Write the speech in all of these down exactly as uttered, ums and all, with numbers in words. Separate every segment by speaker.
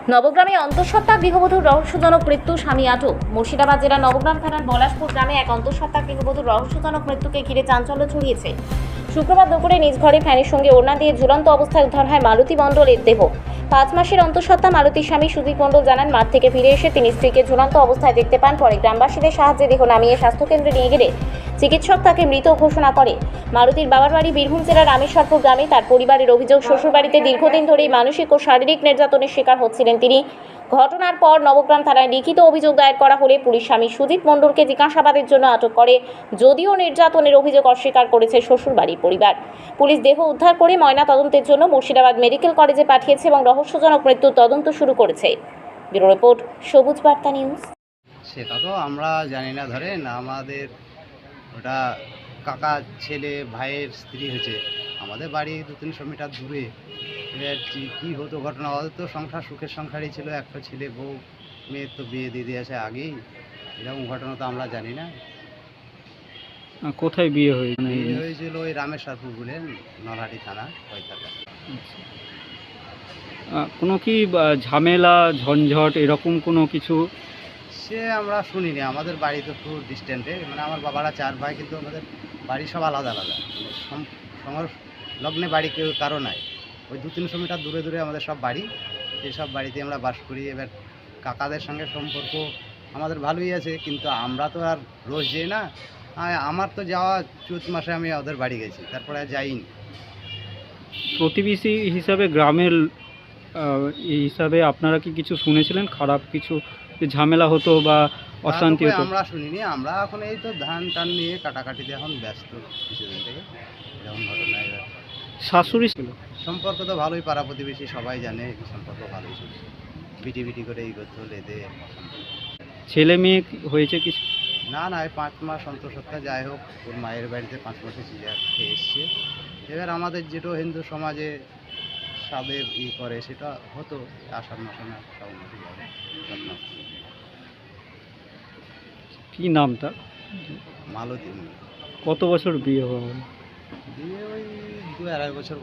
Speaker 1: নবগ্রামে অন্তঃসত্ত্বা গৃহবধূর রহস্যজনক মৃত্যু, স্বামী আটক। মুর্শিদাবাদ জেলার নবগ্রাম থানার পলাশপুর গ্রামে এক অন্তঃসত্ত্বা গৃহবধূর রহস্যজনক মৃত্যুকে ঘিরে চাঞ্চল্য ছড়িয়েছে। শুক্রবার দুপুরে নিজ ঘরে ফ্যানের সঙ্গে ওড়না দিয়ে ঝুলন্ত অবস্থায় উদ্ধার হয় মালতী মণ্ডলের দেহ। পাঁচ মাসের অন্তঃসত্ত্বা মালতীর স্বামী সুদীপ মণ্ডল জানান, মাঠ থেকে ফিরে এসে তিনি স্ত্রীকে ঝুলন্ত অবস্থায় দেখতে পান। পরে গ্রামবাসীদের সাহায্যে দেহ নামিয়ে স্বাস্থ্যকেন্দ্রে নিয়ে গেলে চিকিৎসক তাকে মৃত ঘোষণা করে। মালতীর বাবার বাড়ি বীরভূম জেলার রামেশ্বরপুর গ্রামে। তার পরিবারের অভিযোগ, শ্বশুরবাড়িতে দীর্ঘদিন ধরেই মানসিক ও শারীরিক নির্যাতনের শিকার হচ্ছিলেন তিনি। ঘটনার পর নবগ্রাম থানায় লিখিত অভিযোগ দায়ের করা হলে পুলিশ স্বামী সুদীপ মণ্ডলকে জিজ্ঞাসাবাদের জন্য আটক করে। যদিও নির্যাতনের অভিযোগ অস্বীকার করেছে শ্বশুরবাড়ির পরিবার। পুলিশ দেহ উদ্ধার করে ময়না তদন্তের জন্য মুর্শিদাবাদ মেডিকেল কলেজে পাঠিয়েছে এবং রহস্যজনক মৃত্যুর তদন্ত শুরু করেছে। ব্যুরো রিপোর্ট, সবুজ বার্তা নিউজ।
Speaker 2: সেটা তো আমরা জানি না, ধরেন আমাদের ওটা কাকা ছেলে ভাইয়ের স্ত্রী হয়েছে, আমাদের বাড়ি দু তিনশো মিটার দূরে। এবার কী হতো ঘটনা, ওদের তো সংসার সুখের সংসারই ছিল, একটা ছেলে বউ, মেয়ের তো বিয়ে দিয়ে দিয়েছে আগেই। এরকম ঘটনা তো আমরা জানি না।
Speaker 3: কোথায় বিয়ে হয়েছে?
Speaker 2: বিয়ে হয়েছিল ওই রামেশ্বরপুর বলেন, নলহাটি থানা ওই থাকা।
Speaker 3: কোনো কি ঝামেলা ঝঞ্ঝট এরকম কোনো কিছু?
Speaker 2: সে আমরা শুনিনি, আমাদের বাড়ি তো খুব ডিস্টেন্টে, মানে আমার বাবারা চার ভাই, কিন্তু আমাদের বাড়ি সব আলাদা আলাদা, সংলগ্নে বাড়ি কেউ কারো নাই। ওই দু তিনশো মিটার দূরে দূরে আমাদের সব বাড়ি, সেই সব বাড়িতে আমরা বাস করি। এবার কাকাদের সঙ্গে সম্পর্ক আমাদের ভালোই আছে, কিন্তু আমরা তো আর রোজ যাই না। আমার তো যাওয়া চৈত মাসে আমি ওদের বাড়ি গেছি, তারপরে আর যাইনি।
Speaker 3: প্রতিবেশী হিসাবে গ্রামের এই হিসাবে আপনারা কি কিছু শুনেছিলেন, খারাপ কিছু ঝামেলা হতো বা অশান্তি হতো?
Speaker 2: আমরা শুনিনি, আমরা এখন এই তো ধান টান নিয়ে কাটাকাটিতে এখন ব্যস্ত কিছুদিন থেকে। এরকম ঘটনা। এবার
Speaker 3: শাশুড়ি ছিল
Speaker 2: সম্পর্ক তো ভালোই, পাড়া প্রতিবেশী সবাই জানে সম্পর্ক ভালোই ছিল। বিটি বিটি করে এই করতে হলে এদের
Speaker 3: ছেলে মেয়ে হয়েছে কিছু?
Speaker 2: না না, এই পাঁচ মাস অন্তঃসত্ত্বা, যাই হোক ওর মায়ের বাড়িতে পাঁচ মাসে সিজার খেয়ে এসছে। এবার আমাদের যেটা হিন্দু সমাজে সাদের ই করে সেটা হতো আষাঢ় মাসে না শ্রাবণ মাসে যাবে।
Speaker 3: কি নাম তার?
Speaker 2: মালতী।
Speaker 3: কত বছর বিয়ে হওয়া?
Speaker 2: বিয়ে ওই দু আড়াই বছর।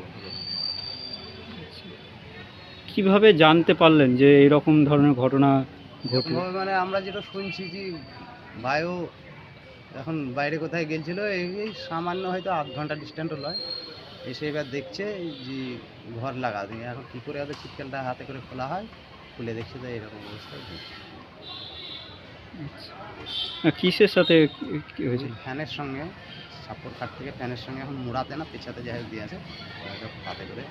Speaker 3: কিভাবে জানতে পারলেন যে এরকম ধরনের ঘটনা ঘটল?
Speaker 2: মানে আমরা যেটা শুনছি যে ভাইও এখন বাইরে কোথায় গেছিল, এই সামান্য হয়তো আধ ঘন্টা ডিস্টেন্স লয়, এসে এবার দেখছে যে ঘর লাগা। এখন কী করে ওদের ছিটকেলটা হাতে করে খোলা হয়, খুলে দেখছে তো এরকম অবস্থা।
Speaker 3: কিসের সাথে হয়েছিল?
Speaker 2: ফ্যানের সঙ্গে, সাপোর কাঠ থেকে ফ্যানের সঙ্গে এখন মুড়াতে না পেছাতে যাই হোক দিয়েছে হাতে করে।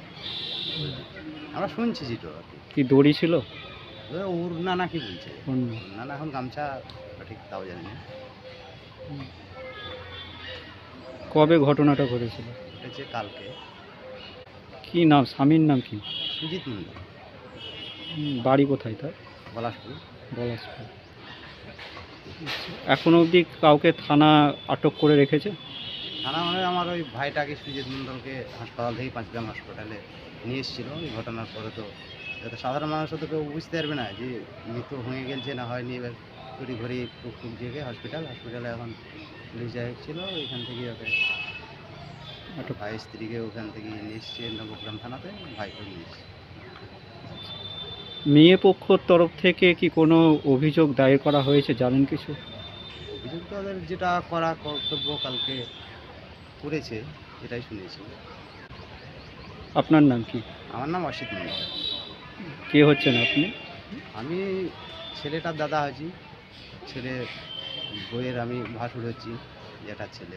Speaker 2: আমরা শুনছি যেটা আর কি।
Speaker 3: কি দড়ি ছিল?
Speaker 2: ওর না না কি বলছে না না, এখন গামছা ঠিক তাও জানি না।
Speaker 3: কবে ঘটনাটা ঘটেছিল?
Speaker 2: ঘটেছে কালকে।
Speaker 3: কি নাম, স্বামীর নাম কি?
Speaker 2: সুজিত মণ্ডল।
Speaker 3: বাড়ি কোথায় তার?
Speaker 2: পলাশপুর।
Speaker 3: পলাশপুর। এখনো অবধি কাউকে থানা আটক করে রেখেছে?
Speaker 2: থানা মানে আমার ওই ভাইটাকে সুজিত মণ্ডলকে হাসপাতাল থেকে পাঁচগ্রাম হাসপাতালে নিয়ে এসেছিল। এই ঘটনার পরে তো যাতে সাধারণ মানুষও তো কেউ বুঝতে পারবে না যে মৃত হয়ে গেছে না হয়নি। এবার তড়ি ঘড়ি টুক টুক জেগে হসপিটাল হসপিটালে এখন পুলিশ যাই ছিল, ওইখান থেকে ওকে একটা ভাই স্ত্রীকে ওখান থেকে নিয়ে এসছে নবগ্রাম থানাতে, ভাইকে নিয়ে এসছে।
Speaker 3: মেয়ে পক্ষর তরফ থেকে কি কোনো অভিযোগ দায়ের করা হয়েছে, জানেন কিছু?
Speaker 2: অভিযোগ তো ওদের যেটা করা কর্তব্য কালকে করেছে, এটাই শুনেছি।
Speaker 3: আপনার নাম কি?
Speaker 2: আমার নাম অসিত মণ্ডল।
Speaker 3: কে হচ্ছেন আপনি?
Speaker 2: আমি ছেলেটার দাদা হচ্ছি, ছেলে বইয়ের আমি ভাসুর হচ্ছি, যেটার ছেলে।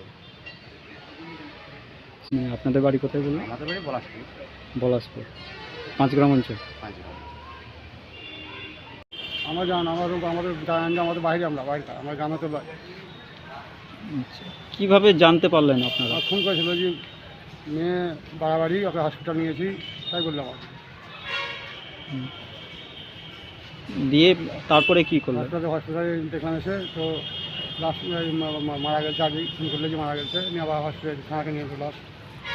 Speaker 3: আপনাদের বাড়ি কোথায় বললেন?
Speaker 2: আমাদের বাড়ি পলাশপুর।
Speaker 3: পলাশপুর, পাঁচগ্রাম অঞ্চল।
Speaker 2: পাঁচগ্রাম।
Speaker 4: আমরা জান আমাদের আমাদের জানেন যে আমাদের বাইরে, আমরা বাড়িটা আমরা গ্রামে তো বাড়ি।
Speaker 3: কীভাবে জানতে পারলেন আপনারা?
Speaker 4: ফোন করেছিল যে মেয়ে বাড়াবাড়ি, ওকে হসপিটাল নিয়েছি, তাই বললাম।
Speaker 3: দিয়ে তারপরে কি করলেন?
Speaker 4: হসপিটালে হসপিটালে দেখলাম এসে তো লাস্ট মারা গেছে, আগে ফোন করলে যে মারা গেছে, নিয়ে আবার হসপিটাল থানাকে নিয়ে চলে আস।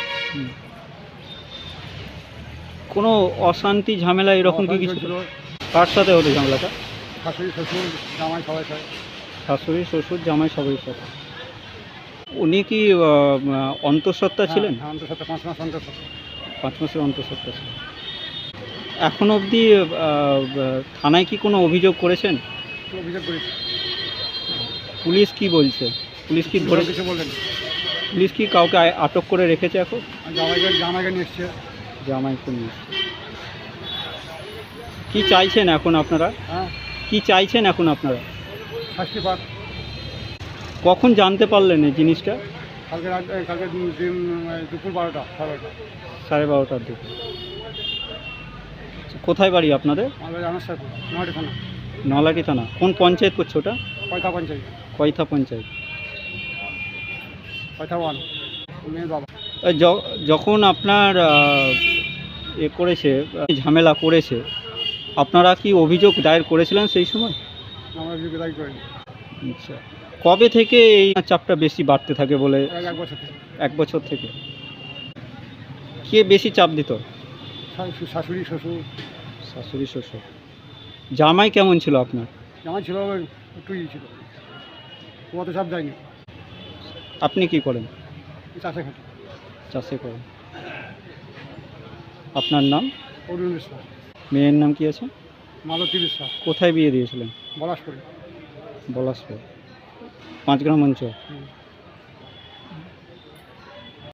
Speaker 3: কোনো অশান্তি ঝামেলা এরকম কি কিছু
Speaker 4: ছিল?
Speaker 3: কার সাথে হতো ঝামেলাটা?
Speaker 4: শাশুড়ি শ্বশুর জামাই সবাই সাথে।
Speaker 3: শাশুড়ি শ্বশুর জামাই সবাই সাথে। উনি কি অন্তঃসত্ত্বা ছিলেন?
Speaker 4: হ্যাঁ, অন্তঃসত্ত্বা, পাঁচ মাস অন্তঃসত্ত্বা।
Speaker 3: পাঁচ মাসের অন্তঃসত্ত্বা ছিলেন। এখন অবধি আহ, থানায় কি কোনো অভিযোগ করেছেন?
Speaker 4: তো অভিযোগ করেছি।
Speaker 3: পুলিশ কি বলছে? পুলিশ কি ধরে
Speaker 4: কিছু বললেন
Speaker 3: পুলিশ কি কাউকে আ- আটক করে রেখেছে এখন?
Speaker 4: আর জামাইকে জামাইকে নিয়ে এসছে।
Speaker 3: জামাইকে নিয়ে কি চাইছেন এখন আপনারা?
Speaker 4: হ্যাঁ,
Speaker 3: কি চাইছেন এখন আপনারা?
Speaker 4: শাস্তি পাক।
Speaker 3: কখন জানতে পারলেন এই জিনিসটা?
Speaker 4: কালকে রাত এই কালকে দু- দিন এই দুপুর বারোটা সাড়ে বারোটা।
Speaker 3: সাড়ে বারোটার দিকে। কোথায় বাড়ি আপনাদের?
Speaker 4: আমাদের জানার সাথে নয়টি থানা
Speaker 3: নলাটি থানা। কোন পঞ্চায়েত করছে ওটা?
Speaker 4: পয়থা পঞ্চায়েত
Speaker 3: কয়থা পঞ্চায়েত।
Speaker 4: পয়থা ওয়ান মেয়ের বাবা।
Speaker 3: আহ, য- যখন আপনার আহ, এ করেছে আহ, ঝামেলা করেছে, আপনারা কি অভিযোগ দায়ের করেছিলেন সেই সময়?
Speaker 4: আমরা যোগাযোগ করিনি।
Speaker 3: আচ্ছা, কবে থেকে এই চাপটা বেশি বাড়তে থাকে বলে?
Speaker 4: এর এক বছর থেকে
Speaker 3: এক বছর থেকে। কে বেশি চাপ দিত?
Speaker 4: শাশু- শাশুড়ি শ্বশুর।
Speaker 3: শাশুড়ি শ্বশুর। জামাই কেমন ছিল আপনার?
Speaker 4: জামাই ছিল ওই একটু ই ছিল, ও অত চাপ যায়নি।
Speaker 3: আপনি কি করেন?
Speaker 4: চাষে খাটি
Speaker 3: চাষে করেন। আপনার নাম?
Speaker 4: অরুণ বিশ্বাস,
Speaker 3: মেয়ের নাম কি আছে?
Speaker 4: মালতী বিশ্বাস,
Speaker 3: কোথায় বিয়ে দিয়েছিলেন?
Speaker 4: পলাশ করি।
Speaker 3: পলাশপুর, পাঁচগ্রাম অঞ্চল।
Speaker 4: হুম।